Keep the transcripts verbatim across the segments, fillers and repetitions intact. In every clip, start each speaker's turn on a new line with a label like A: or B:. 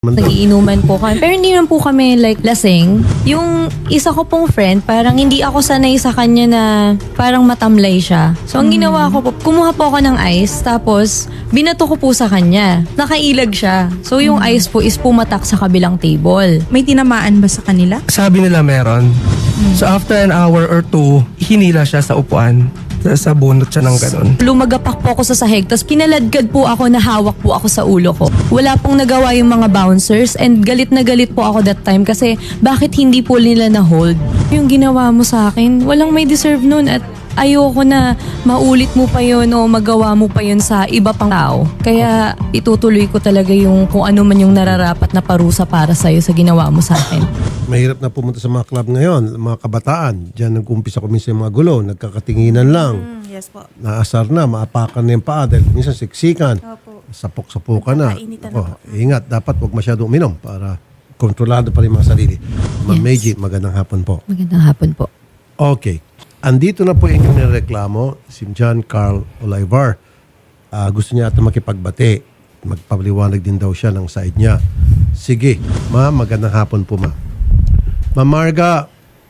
A: Nagiinuman po kami. Pero hindi naman po kami like lasing. Yung isa ko pong friend, parang hindi ako sanay sa kanya na parang matamlay siya. So ang ginawa ko po, kumuha po ako ng ice, tapos binato ko po sa kanya. Nakailag siya. So yung ice po is pumatak sa kabilang table.
B: May tinamaan ba sa kanila?
C: Sabi nila meron. So after an hour or two, hinila siya sa upuan. Sa, sa bunot siya ng ganun.
A: Lumagapak po ako sa sahig, tapos kinaladkad po ako na hawak po ako sa ulo ko. Wala pong nagawa yung mga bouncers and galit na galit po ako that time kasi bakit hindi po nila na-hold? Yung ginawa mo sa akin, walang may deserve nun at ayoko na maulit mo pa yun o magawa mo pa yun sa iba pang tao. Kaya itutuloy ko talaga yung kung ano man yung nararapat na parusa para sa'yo sa ginawa mo sa akin.
D: Mahirap na pumunta sa mga club ngayon, mga kabataan. Diyan nag-umpisa ko minsan yung mga gulo, nagkakatinginan lang.
B: Mm, yes po.
D: Naasar na, maapakan na yung paa dahil minsan siksikan.
B: Opo.
D: Sapok-sapukan na.
B: Nagkakainitan
D: Ako, ingat, dapat huwag masyado uminom para kontrolado pa rin mga sarili. Ma'am
A: Yes.
D: Meiji, magandang hapon po.
A: Magandang hapon po.
D: Okay. Andito na po yung inyong nireklamo, si John Carl Olivar. Ah, gusto niya ata makipagbati. Magpapaliwanag din daw siya ng side niya. Sige, ma'am, magandang hapon po, ma'am. Ma'am Marga,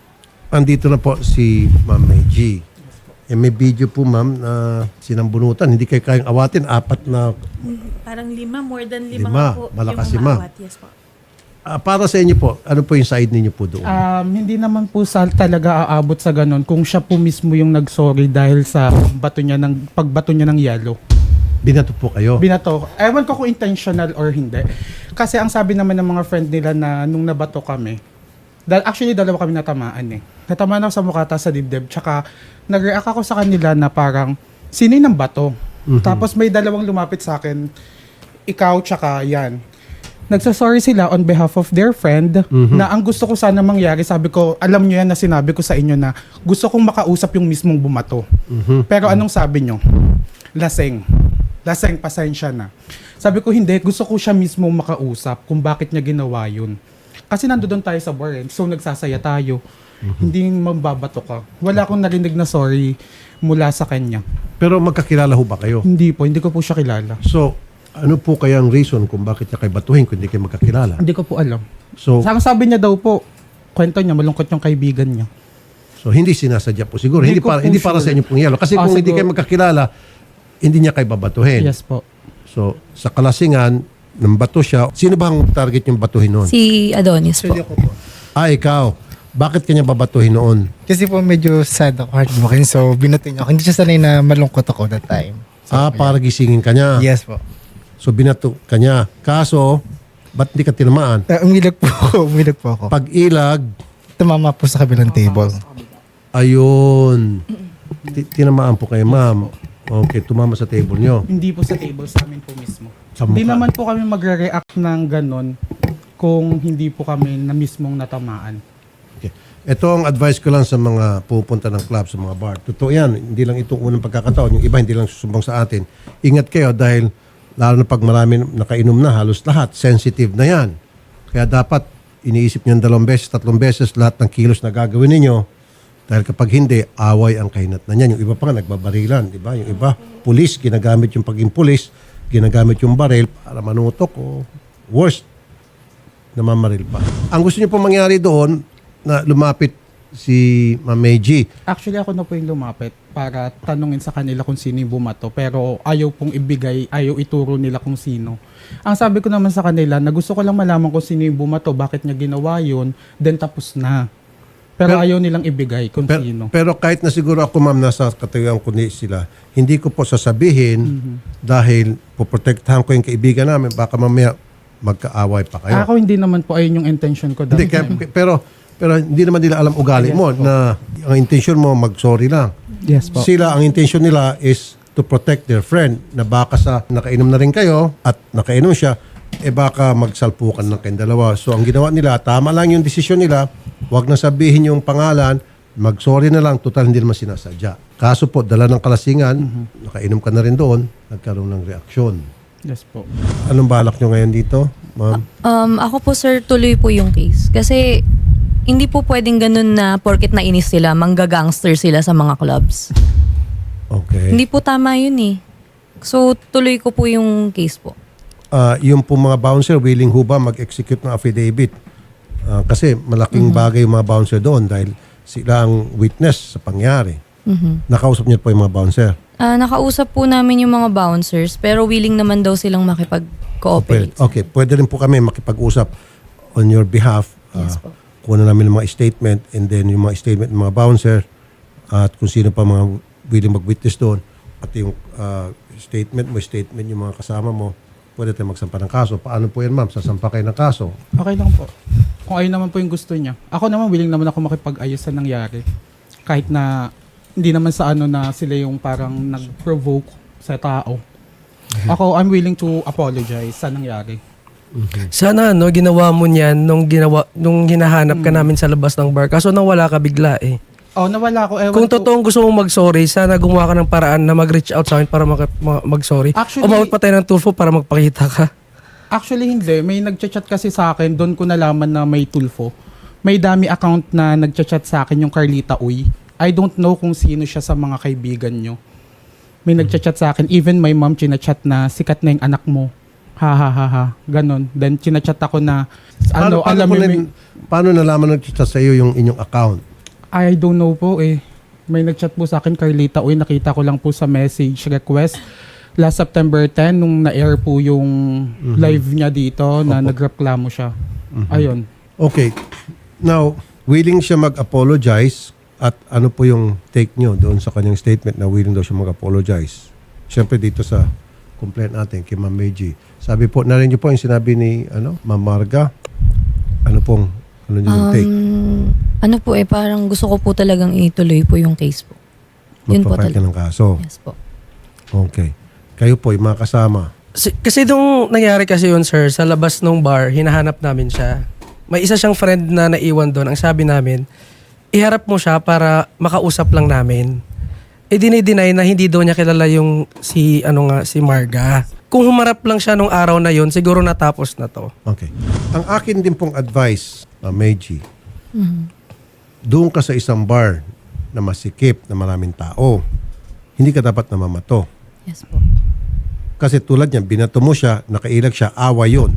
D: andito na po si Ma'am Meiji. Eh, may video po, ma'am, na sinambunutan. Hindi kayo kayang awatin. Apat na...
B: Parang lima, more than lima,
D: Lima.
B: nga po.
D: Malakas
B: yung
D: si ma'am.
B: umaawat. Yes po.
D: Ah, para sa inyo po, ano po yung side ninyo po doon?
E: Um, hindi naman po sa talaga aabot sa ganun kung siya po mismo yung nagsorry dahil sa bato niya ng pagbato niya ng yellow.
D: Binato po kayo?
E: Binato. Ewan ko kung intentional or hindi. Kasi ang sabi naman ng mga friend nila na nung nabato kami, dahil actually dalawa kami natamaan eh. Natamaan ako sa mukha tas sa dibdib. Tsaka nag-react ako sa kanila na parang sino yung bato?
D: Mhm.
E: Tapos may dalawang lumapit sa akin, ikaw tsaka yan. Nagsasorry sila on behalf of their friend
D: Mhm.
E: na ang gusto ko sana mangyari, sabi ko, alam nyo yan na sinabi ko sa inyo na gusto kong makausap yung mismong bumato.
D: Mhm.
E: Pero anong sabi nyo? Laseng. Laseng, pasensya na. Sabi ko, hindi, gusto ko siya mismong makausap kung bakit niya ginawa yun. Kasi nandoon tayo sa bar, eh. So nagsasaya tayo. Hindi mambabato ka. Wala akong narinig na sorry mula sa kanya.
D: Pero magkakilala ho ba kayo?
E: Hindi po, hindi ko po siya kilala.
D: So, ano po kaya ang reason kung bakit niya kayo batuhin kung hindi kayo magkakilala?
E: Hindi ko po alam.
D: So,
E: Sa sabi niya daw po, kwento niya, malungkot yung kaibigan niya.
D: so hindi sinasadya po siguro. Hindi,
E: Hindi ko
D: para
E: po
D: hindi para
E: sure.
D: sa inyo pong yelo. Kasi
E: Ah,
D: kung hindi
E: siguro.
D: kayo magkakilala, hindi niya kayo babatuhin.
E: Yes po.
D: So, sa kalasingan, nang bato siya, sino ba ang target yung batuhin noon?
A: Si Adonis po.
D: Ah, ikaw. Bakit kanya babatuhin noon?
F: Kasi po medyo sad ako, heartbroken. So, binutin niyo ako. Hindi siya sanay na malungkot ako that time. So,
D: Ah, para gisingin ka niya.
F: Yes po.
D: So, binato ka niya. Kaso, ba't hindi ka tinamaan?
F: Uh, umilag po ako. Umilag po ako.
D: Pag-ilag,
F: Tumama po sa kabilang table.
D: ayun. Ti- Tinamaan po kayo, ma'am. Okay, tumama sa table niyo.
E: Hindi po sa table, sa amin po mismo.
D: Sa
E: Hindi
D: mukha.
E: naman po kami magre-react ng ganon kung hindi po kami na mismong natamaan.
D: Okay. Ito ang advice ko lang sa mga pupunta ng club, sa mga bar. Totoo yan. Hindi lang itong unang pagkakataon. Yung iba hindi lang susumbang sa atin. Ingat kayo dahil lalo na pag marami nakainom na, halos lahat, sensitive na yan. Kaya dapat iniisip nyo dalawang beses, tatlong beses lahat ng kilos na gagawin ninyo. Dahil kapag hindi, away ang kahinatnan niyan. Yung iba pa nga nagbabarilan, di ba? Yung iba, pulis, ginagamit yung pagiging pulis, ginagamit yung baril para manutok o worst, namamaril pa. Ang gusto niyo po mangyari doon, na lumapit si Ma'am Meiji.
E: Actually, ako na po yung lumapit para tanungin sa kanila kung sino yung bumato. Pero ayaw pong ibigay, ayaw ituro nila kung sino. Ang sabi ko naman sa kanila, na gusto ko lang malaman kung sino yung bumato, bakit niya ginawa yun, then tapos na. Pero,
D: Pero-
E: ayaw nilang ibigay kung
D: Pero,
E: sino.
D: pero kahit na siguro ako, ma'am, nasa kategoryang kundi sila, hindi ko po sasabihin dahil poprotektahan ko yung kaibigan namin, baka mamaya magkaaway pa kayo.
E: Ako hindi naman po ayun yung intention ko.
D: Hindi,
E: that
D: kaya-
E: time.
D: pero pero hindi naman nila alam ugali
E: Yes
D: mo
E: po.
D: na ang intention mo mag-sorry lang.
E: Yes po.
D: Sila, ang intention nila is to protect their friend na baka sa nakainom na rin kayo at nakainom siya, eh baka magsalpukan ng kayong dalawa. So ang ginawa nila, tama lang yung desisyon nila, wag na sabihin yung pangalan, mag-sorry na lang, total hindi naman sinasadya. Kaso po, dala ng kalasingan, nakainom ka na rin doon, nagkaroon ng reaksyon.
E: Yes po.
D: Anong balak nyo ngayon dito, ma'am?
A: Um, ako po sir, tuloy po yung case. Kasi hindi po pwedeng ganun na porket nainis sila, manggagangster sila sa mga clubs.
D: Okay.
A: Hindi po tama yun eh. So, tuloy ko po yung case po.
D: ah, yung po mga bouncer, willing ho ba mag-execute ng affidavit? Ah, kasi malaking bagay yung mga bouncer doon dahil sila ang witness sa pangyari. Nakausap niyo po yung mga bouncer.
A: Ah, nakausap po namin yung mga bouncers pero willing naman daw silang makipag-cooperate.
D: Okay, pwede rin po kami makipag-usap on your behalf.
A: Yes
D: Ah,
A: po.
D: kuha na namin yung mga statement and then yung mga statement ng mga bouncer at kung sino pa mga willing mag-witness doon. Pati yung ah, statement mo, statement yung mga kasama mo, pwede tayo magsampa ng kaso. Paano po yan, ma'am? Sasampa kayo ng kaso?
E: Okay lang po. Kung ayun naman po yung gusto niya. Ako naman, willing naman ako makipag-ayos sa nangyari. Kahit na hindi naman sa ano na sila yung parang nag-provoke sa tao. Ako, I'm willing to apologize sa nangyari.
C: Sana no, ginawa mo niyan nung ginawa nung hinahanap ka namin sa labas ng bar. Kaso nang wala ka bigla eh.
E: Oh, nawala ko. Ewan
C: Kung
E: ko-
C: totoong gusto mong mag-sorry, sana gumawa ka ng paraan na mag-reach out sa akin para mag- ma- mag-sorry.
E: Actually-
C: Umabot pa tayo ng Tulfo para magpakita ka.
E: Actually, hindi. May nagchat-chat kasi sa akin. Doon ko nalaman na may Tulfo. May dami account na nagchat-chat sa akin yung Carlita Uy. I don't know kung sino siya sa mga kaibigan nyo. May nagchat-chat sa akin. Even my mom chinachat na sikat na yung anak mo. Ha ha ha ha. Ganon. Then chinachat ako na ano, alam
D: po
E: mo,
D: na-
E: may-
D: paano nalaman nag-chat sa iyo yung inyong account?
E: I don't know po eh. May nagchat po sa akin, Carlita Uy. Nakita ko lang po sa message request. Last September tenth, nung na-air po yung live niya dito na nagreklamo siya. Ayun.
D: Okay. Now, willing siya mag-apologize at ano po yung take nyo doon sa kanyang statement na willing daw siya mag-apologize? Siyempre dito sa complaint natin kay Ma'am Meiji. Sabi po, narinig niyo po yung sinabi ni ano, Ma'am Marga. Ano pong, ano yung take?
A: Um, ano po eh, parang gusto ko po talagang ituloy po yung case po. Yun po
D: Magpa-file ka
A: talaga.
D: ng kaso.
A: Yes po.
D: Okay. Kayo po, yung mga kasama.
C: Si- Kasi nung nangyari kasi yun, sir, sa labas ng bar, hinahanap namin siya. May isa siyang friend na naiwan doon. Ang sabi namin, iharap mo siya para makausap lang namin. E dinideny na hindi daw niya kilala yung si, ano nga, si Marga. Kung humarap lang siya nung araw na yun, siguro natapos na to.
D: Okay. Ang akin din pong advice, Ma'am Meiji, doon ka sa isang bar na masikip, na maraming tao, hindi ka dapat namamato.
A: Yes po.
D: Kasi tulad niyan, binato mo siya, nakailag siya, awa yun.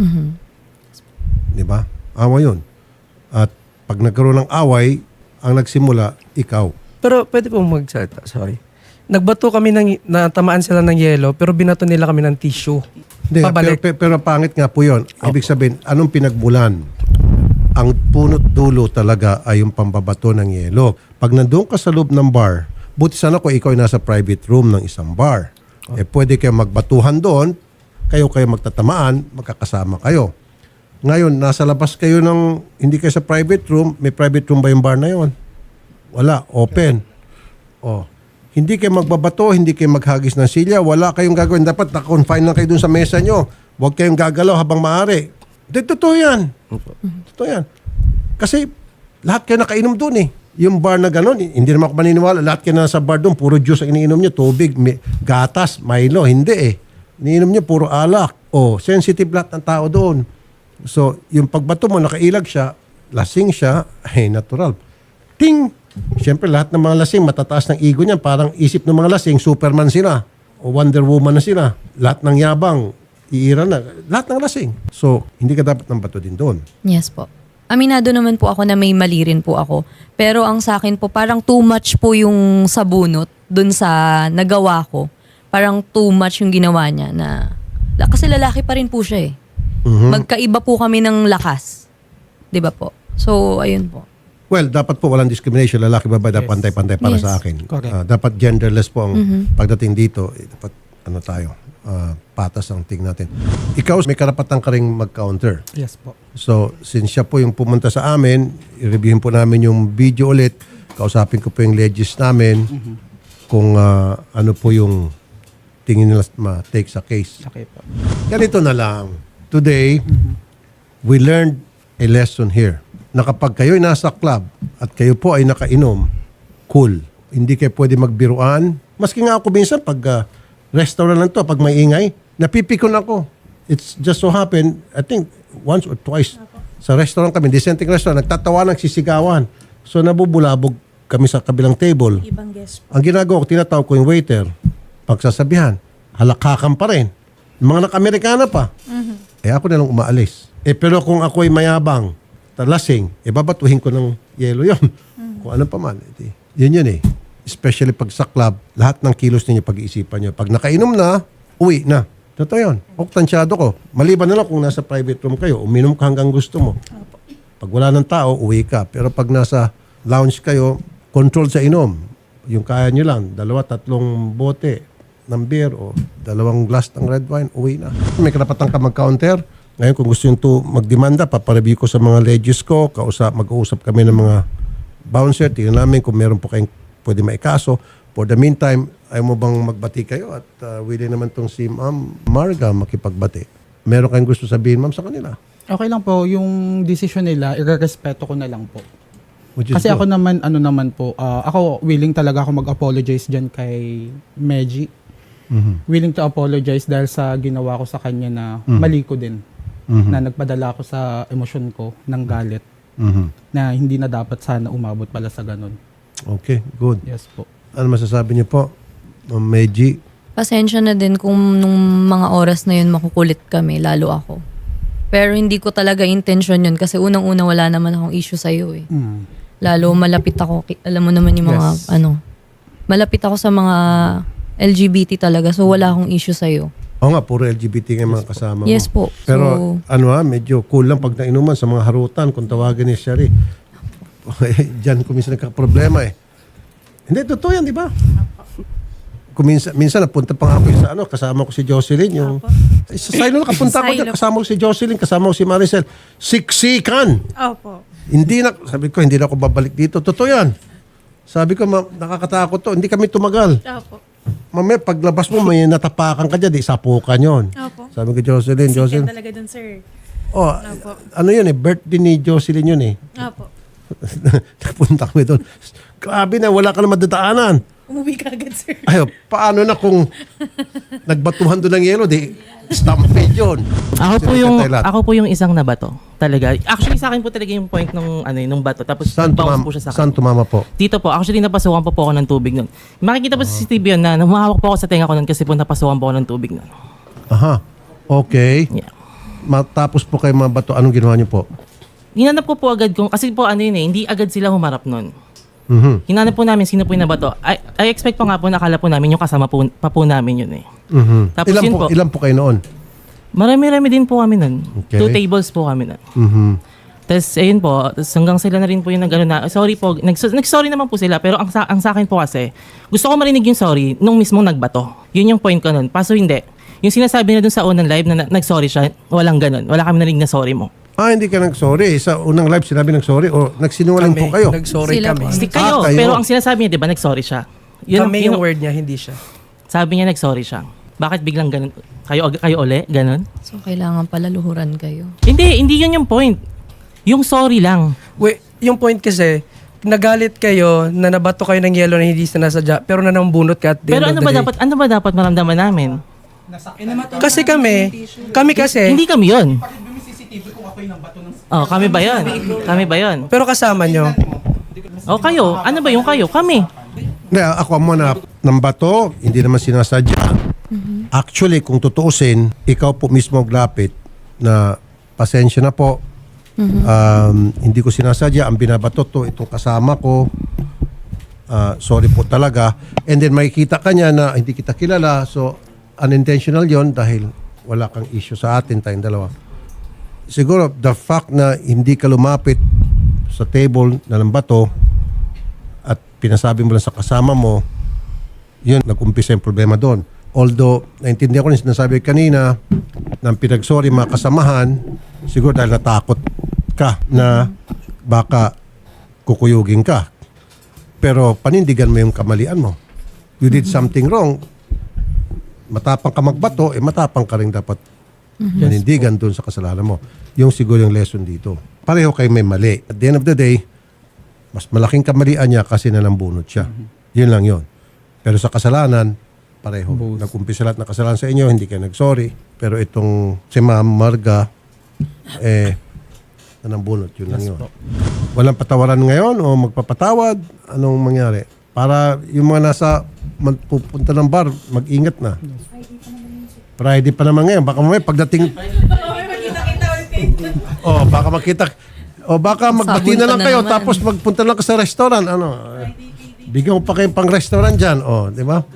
D: Di ba? Awa yun. At pag nagkaroon ng away, ang nagsimula, ikaw.
C: Pero pwede po magsalita, sorry. Nagbato kami ng, natamaan sila ng yelo, pero binato nila kami ng tissue.
D: Hindi, pero,
C: Pabalik.
D: pero, pero pangit nga po yun. Ibig sabihin, anong pinagmulan? Ang punot dulo talaga ay yung pambabato ng yelo. Pag nandoon ka sa loob ng bar, buti sana kung ikaw ay nasa private room ng isang bar. Eh pwede kayo magbatuhan doon, kayo kayo magtatamaan, magkakasama kayo. Ngayon, nasa labas kayo ng, hindi kayo sa private room, may private room ba yung bar na yon? Wala, open. Oh. Hindi kayo magbabato, hindi kayo maghagis ng silya, wala kayong gagawin. Dapat naka-confine lang kayo dun sa mesa nyo. Huwag kayong gagalaw habang maaari. Hindi, totoo yan. Totoo yan. Kasi lahat kayo nakainom dun eh. Yung bar na gano'n, hindi naman ako maniniwala. Lahat kayo nasa bar doon, puro juice ang iniinom nyo, tubig, may, gatas, Milo. Hindi eh. Iniinom nyo, puro alak. Oh, sensitive lahat ng tao doon. So, yung pagbato mo, nakailag siya, lasing siya, ay natural. Ting! Siyempre, lahat ng mga lasing, matataas ng ego niyan. Parang isip ng mga lasing, Superman sila. O Wonder Woman na sila. Lahat ng yabang, iira na. Lahat ng lasing. So, hindi ka dapat ng bato din doon.
A: Yes po. Aminado naman po ako na may mali rin po ako. Pero ang sa akin po, parang too much po yung sabunot dun sa nagawa ko. Parang too much yung ginawa niya na... Kasi lalaki pa rin po siya eh. Magkaiba po kami ng lakas. 'Di ba po? So, ayun po.
D: Well, dapat po walang discrimination. Lalaki, babae, dapat pantay-pantay para
A: Yes.
D: sa akin.
E: Correct.
D: Ah, dapat genderless po ang pagdating dito. Eh, dapat ano tayo, ah, patas ang ting natin. Ikaw, may karapatan ka ring mag-counter.
E: Yes po.
D: So, since siya po yung pumunta sa amin, i-reviewin po namin yung video ulit. Kausapin ko po yung legis namin kung ah, ano po yung tingin nila ma-take sa case.
E: Okay po.
D: Ganito na lang. Today, we learned a lesson here. Na kapag kayo'y nasa club at kayo po ay nakainom, cool. Hindi kayo pwede magbiruan. Maski nga ako minsan pag ah, restaurant lang to, pag may ingay, napipikon ako. It's just so happen, I think once or twice sa restaurant kami, dissenting restaurant, nagtatawa, nagsisigawan. So nabubulabog kami sa kabilang table.
B: Ibang guest po.
D: Ang ginagawa ko, tinatawag ko yung waiter. Pagsasabihan, halakhakan pa rin. Mga naka-Amerikana pa. Eh ako na lang umaalis. Eh pero kung ako ay mayabang, talasing, eh babatuhin ko ng yelo yon. Kung ano pa man. Eh, yun yun eh. Especially pag sa club, lahat ng kilos ninyo pag-iisipan nyo. Pag nakainom na, uwi na. Totoo yun. Oktansyado ko. Maliban na lang kung nasa private room kayo, uminom ka hanggang gusto mo. Pag wala ng tao, uwi ka. Pero pag nasa lounge kayo, control sa inom. Yung kaya nyo lang, dalawa, tatlong bote ng beer o dalawang glass ng red wine, uwi na. May karapatan ka mag-counter. Ngayon kung gusto nyo to magdemanda, papareview ko sa mga ledges ko, kausap, mag-uusap kami ng mga bouncer, tingnan namin kung meron po kayong pwede maikaso. For the meantime, ayaw mo bang magbati kayo at uh, willing naman tong si Ma'am Marga makipagbati. Meron kayong gusto sabihin, Ma'am, sa kanila?
E: Okay lang po, yung decision nila, irerespeto ko na lang po.
D: Which is
E: Kasi
D: good.
E: ako naman, ano naman po, ah, ako willing talaga ako mag-apologize dyan kay Meji.
D: Mhm.
E: Willing to apologize dahil sa ginawa ko sa kanya na
D: Mhm.
E: mali ko din.
D: Mhm.
E: Na nagpadala ako sa emosyon ko ng galit
D: Mhm.
E: na hindi na dapat sana umabot pala sa ganun.
D: Okay, good.
E: Yes po.
D: Ano masasabi niyo po, Ma'am Meiji?
A: Pasensya na din kung nung mga oras na yun makukulit kami, lalo ako. Pero hindi ko talaga intention yun kasi unang-una wala naman akong issue sa'yo eh.
E: Mm.
A: Lalo malapit ako, ki- alam mo naman yung mga
E: Yes.
A: ano, malapit ako sa mga L G B T talaga so wala akong issue sa'yo.
D: Oo nga, puro L G B T nga mga kasama mo.
A: Yes po.
D: Pero
A: So,
D: ano ha, medyo cool lang pag nainuman sa mga harutan kung tawagin ni Sherry. Diyan ko minsan nagka-problema eh. Hindi, totoo yan, di ba? Kung minsan, minsan napunta pa nga ako sa ano, kasama ko si Jocelyn. Yung, sa silo na kapunta ko dyan,
B: Silo.
D: kasama ko si Jocelyn, kasama ko si Maricel. Siksikan!
B: Opo.
D: Hindi na, sabi ko, hindi na ako babalik dito. Totoo yan. Sabi ko, ma- nakakatakot to. Hindi kami tumagal.
B: Opo.
D: Mamaya, paglabas mo, may natapakan ka dyan, di sapukan yon.
B: Opo.
D: Sabi ko, Jocelyn,
B: Sikat
D: Jocelyn.
B: talaga dun, sir.
D: Oh,
B: Opo.
D: ano yun eh, birthday ni Jocelyn yun eh.
B: Opo.
D: Napunta kami doon. Grabe na, wala ka na madadaanan.
B: Umuwi ka agad, sir.
D: Ayo, paano na kung nagbatuhan doon ng yelo, di stampede yun.
G: Ako po
D: Sino
G: yung
D: tatay lahat?
G: ako po yung isang nabato. Talaga. Actually sa akin po talaga yung point nung ano nung bato tapos
D: Saan
G: bounce
D: tumama,
G: po siya sa
D: saan
G: akin.
D: tumama po?
G: Dito po, actually napasukan po po ako ng tubig nun. Makikita po sa C C T V yun na humahawak po ako sa tenga ko nun kasi po napasukan po ako ng tubig nun.
D: Aha. Okay.
G: Yeah.
D: Matapos po kayo mabato, anong ginawa niyo po?
G: Hinanap ko po agad kung, kasi po ano yun eh, hindi agad sila humarap nun.
D: Mhm.
G: Hinanap po namin sino po yung nabato. I, I expect po nga po, nakala po namin yung kasama po, pa po namin yun eh.
D: Mhm.
G: Tapos
D: Ilan
G: yun
D: po,
G: po.
D: ilan po kayo noon?
G: Marami-rami din po kami nun.
D: Okay.
G: Two tables po kami nun.
D: Mhm.
G: Tapos, ayun po, tas hanggang sila na rin po yung nag na, sorry po, nag, nag-sorry naman po sila, pero ang sa, ang sa akin po kasi, gusto ko marinig yung sorry nung mismong nagbato. Yun yung point ko nun. Paso hindi. Yung sinasabi na dun sa unang live na, na nag-sorry siya, walang ganun. Wala kami narinig na sorry mo.
D: Ah, hindi ka nag-sorry. Sa unang live sinabi nag-sorry o nagsinungaling po kayo?
C: Nag-sorry
A: Sila
C: kami.
A: po.
G: Hindi
D: Ah,
G: kayo,
D: kayo.
G: pero ang sinasabi niya, di ba, nag-sorry siya. Yun,
C: Kami
G: yun-
C: yung word niya, hindi siya.
G: Sabi niya, nag-sorry siya. Bakit biglang ganun? Kayo, kayo uli? Ganun?
A: so kailangan pala luhuran kayo.
G: Hindi, hindi yun yung point. Yung sorry lang.
C: Wait, yung point kasi, nagalit kayo na nabato kayo ng yelo na hindi sinasadya, pero nanambunot ka at the
G: Pero
C: end
G: ano
C: of the
G: ba
C: day.
G: dapat, ano ba dapat maramdaman namin?
C: Kasi kami, kami kasi,
G: Hindi kami yun. Oh, kami ba yun? Kami ba yun?
C: pero kasama nyo.
G: O kayo, ano ba yung kayo? Kami.
D: Hindi, ako mo na ng bato, hindi naman sinasadya. Actually, kung tutuusin, ikaw po mismo maglapit na pasensya na po. Um, hindi ko sinasadya. Ang binabato to, itong kasama ko. Ah, sorry po talaga. And then makikita ka niya na hindi kita kilala. So, unintentional yon dahil wala kang issue sa atin, tayong dalawa. Siguro, the fact na hindi ka lumapit sa table na ng bato at pinasabi mo lang sa kasama mo, yun, nag-umpisa yung problema doon. Although, naintindihan ko rin sinasabi kanina ng pinag-sorry mga kasamahan, siguro dahil natakot ka na baka kukuyugin ka. Pero panindigan mo yung kamalian mo. You did something wrong. Matapang ka magbato, eh matapang ka rin dapat manindigan doon sa kasalanan mo. Yung siguro yung lesson dito. Pareho kayo may mali. At the end of the day, mas malaking kamalian niya kasi nanambunot siya. Yun lang yun. Pero sa kasalanan, pareho.
E: Both.
D: Nag-umpisa lahat ng kasalanan sa inyo, hindi kayo nag-sorry. Pero itong si Ma'am Marga, eh, nanambunot. Yun lang yun. Walang patawaran ngayon o magpapatawad? Anong mangyari? Para yung mga nasa pupunta ng bar, mag-ingat na. Friday pa naman ngayon. Baka mamaya pagdating... oh, baka makita... O baka magbati na lang
A: Sabon ka na
D: kayo
A: naman.
D: tapos magpunta lang ka sa restaurant. Ano? eh, Bigyan mo pa kayong pang restaurant dyan. O, di ba?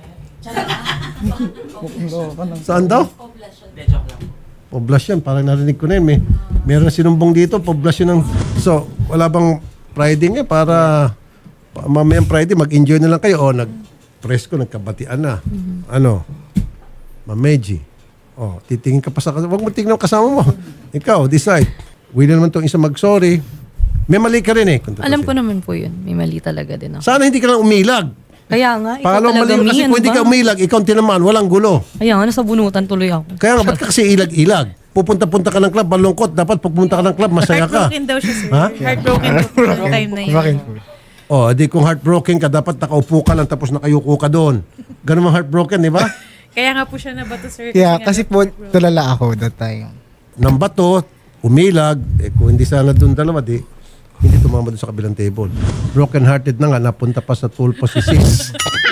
D: Saan daw? Poblasyon. Parang narinig ko na yun. May, meron na sinumbong dito. Poblasyon ng... So, wala bang Friday nga para pa- mamayang Friday mag-enjoy na lang kayo. O, nag-presko, nagkabatian na. Ano? Mameji. O, titingin ka pa sa kasama. Huwag mo tingnan ang kasama mo. Ikaw, decide. Willing naman itong isa mag-sorry. May mali ka rin eh. kung
A: Alam ko
D: tutusin.
A: naman po yun. May mali talaga din ako.
D: Sana hindi ka lang umilag.
A: Kaya nga, ikaw
D: Pangalawa
A: talaga,
D: mali yun kasi
A: Mi, ano
D: kung hindi
A: ba?
D: ka umilag, ikaw ang tinamaan, walang gulo.
A: Kaya nga, nasa bunutan tuloy ako.
D: Kaya nga, ba't ka kasi ilag-ilag? Pupunta-punta ka ng club, malungkot. Dapat pagpunta ka ng club, masaya ka.
B: Heartbroken daw siya, sir.
D: Ha?
B: Heartbroken po yung time na yun.
F: Bakit po?
D: O, di kung heartbroken ka, dapat nakaupo ka lang tapos nakayuko ka doon. Ganun ang heartbroken, di ba?
B: Kaya nga po siya nabato, sir.
F: Yeah,
B: nga
F: kasi
B: daw
F: po, tulala ako that time.
D: Nang bato, umilag, eh kung hindi sana doon dalawa, di, hindi tumama doon sa kabilang table. Broken hearted na nga, napunta pa sa tulpo si Sis.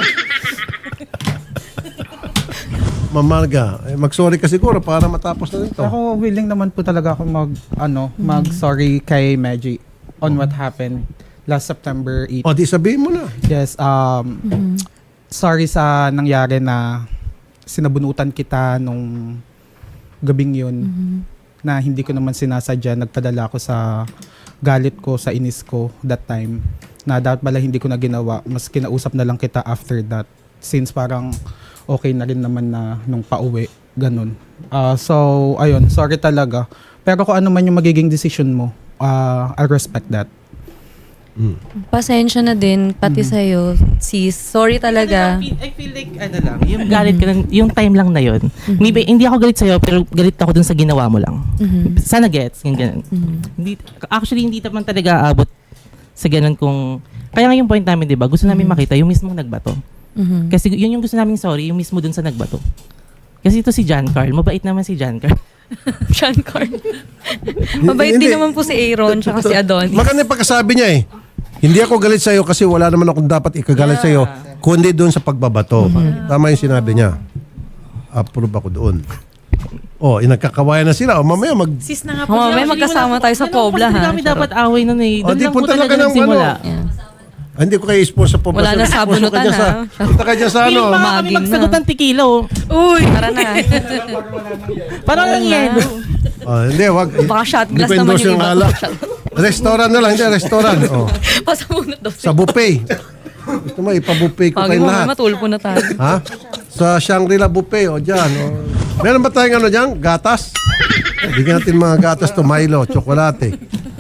D: Mamarga, eh, mag-sorry ka siguro para matapos na ito.
E: Ako willing naman po talaga ako mag ano, mag-sorry kay Maggie on what happened last September eighth.
D: O, di sabihin mo na.
E: Yes, um sorry sa nangyari na sinabunutan kita nung gabing yun na hindi ko naman sinasadya. Nagpadala ako sa galit ko, sa inis ko that time na dapat pala hindi ko na ginawa. Mas kinausap na lang kita after that since parang okay na rin naman na nung pauwi. Ganun. Ah, so, ayun, sorry talaga. Pero kung ano man yung magiging decision mo, ah, I respect that.
A: Pasensya na din, pati sa'yo. Sis, sorry talaga.
G: I feel, I feel like, ano lang, yung galit ka lang, yung time lang na yun. Maybe, hindi ako galit sa'yo, pero galit ako dun sa ginawa mo lang. Sana gets, yung ganun. Hindi, actually, hindi naman talaga aabot sa ganun kung... Kaya nga yung point namin, di ba, gusto namin makita yung mismong nagbato.
A: Mhm.
G: Kasi yun yung gusto namin sorry, yung mismo dun sa nagbato. Kasi ito si John Carl, mabait naman si John Carl.
A: Sean Carl. Mabait
D: Hindi.
A: din naman po si Aaron tsaka si Adonis.
D: Maganda yung pagkasabi niya eh. Hindi ako galit sa'yo kasi wala naman akong dapat ikagalit
G: Yeah.
D: sa'yo, kundi doon sa pagbabato. Tama yung sinabi niya. Approve ako doon. Oh, inagkakawayan na sila. O mamaya mag...
B: Sis na nga po.
A: Oh,
B: siya.
A: may magkasama tayo sa Pobla,
G: Hindi
A: ha?
G: kami dapat away nun eh.
D: O,
G: Doon
D: di
G: lang po
D: punta lang
G: talaga
D: ka ng
G: nagsimula.
D: ano.
A: Yeah.
D: Ah, hindi ko kayo sponsor po.
A: Wala na sabunutan, ha?
D: Punta ka dyan sa
G: Feeling
D: ano.
G: pa nga kami
A: Maging
G: magsagot
A: na.
G: ng tequila oh.
B: Uy!
A: Tara na.
G: Parang lang yan.
D: Oh, hindi, wag.
A: Baka shot
D: Hindi
A: glass
D: ko
A: naman
D: endorse
A: yung
D: yung
A: iba.
D: alak. Restaurant na lang, hindi, restaurant. Oh.
A: Pasamunod daw.
D: Sa buffet. Gusto mo, ipabuffet ko
A: Pagi
D: kayo
A: mo,
D: lahat.
A: matulpo na tayo.
D: Ha? Sa Shangri-La buffet, o dyan. O. Meron ba tayong ano dyan? Gatas? Bigyan natin mga gatas to Milo, tsokolate.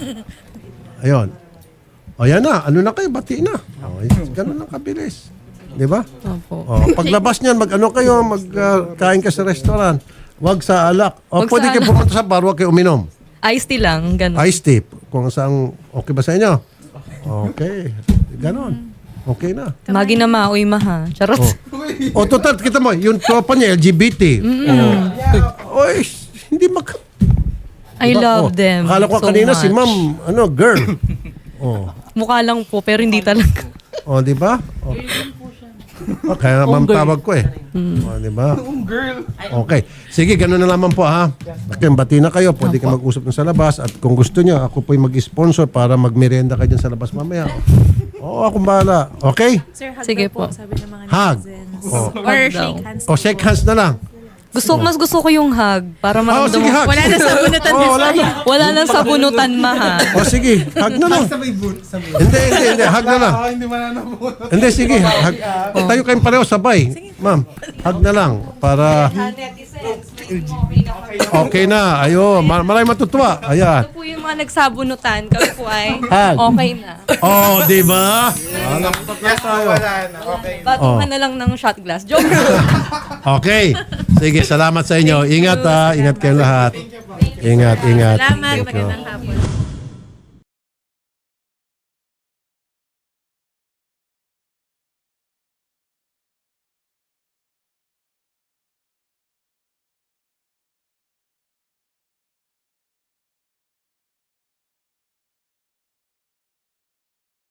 D: Ayun. O yan na, ano na kayo, bati na. O, ganun lang kabilis. Di ba?
A: Opo.
D: O, paglabas niyan, mag-ano kayo, mag-kain ka sa restaurant. Huwag sa alak. O,
A: Wag
D: pwede
A: sa
D: kayo
A: alak.
D: pumunta sa bar, huwag kayo uminom.
A: Iced tea lang, ganun.
D: Ice tip. Kung saan, okay ba sa inyo? Okay. Ganon. Okay na.
A: Magi na maoy maha. Charot.
D: O, total, kita mo, yung tropa niya, L G B T. O, oy, hindi mag...
A: I
D: Diba?
A: love
D: Oh,
A: them
D: akala ko
A: so
D: kanina
A: much.
D: si ma'am, ano, girl. Oh.
A: Mukha lang po, pero hindi talaga.
D: Oh, di ba? Oh. Oh, kaya ma'am tawag ko eh. Oh, di ba? Okay. Sige, ganun na naman po ha. Okay, bati na kayo. Pwede kayo mag-usap na sa labas. At kung gusto niyo, ako po'y mag-sponsor para mag-merienda kayo dyan sa labas mamaya. Oo, akong bahala. Okay?
B: Sir, hug
A: Sige
B: daw po.
A: po.
B: Sabi ng mga
D: Hug.
B: netizens.
D: Oh.
B: Or
A: Hug
B: shake
A: daw.
B: hands.
D: O, shake hands na lang.
A: Gusto, mas gusto ko yung hug para
D: Oh,
A: maramdaman
D: sige,
A: mo.
D: hug.
B: Wala na sabunutan
D: Oh,
B: this
D: wala na.
A: Wala nang sabunutan maha.
D: O, sige. Hug na lang. Hindi, hindi, hindi. Hug na lang.
E: hindi mananabot.
D: Hindi, sige. Hug. Tayo kayong pareho sabay. Ma'am, hug na lang. Para... Okay na. Ayo, mar- maraming matutuwa. Ayan.
A: Ito po yung mga nagsabunutan. Kami po ay
D: Hug.
A: okay na.
D: Oh, di ba? Alam ko tayo.
A: Batukan na lang ng shot glass. Joke.
D: Okay. Sige, salamat sa inyo. Ingat ha. Ingat kayong lahat. Ingat, ingat.
B: Salamat.
D: Thank you.
B: Magandang hapon.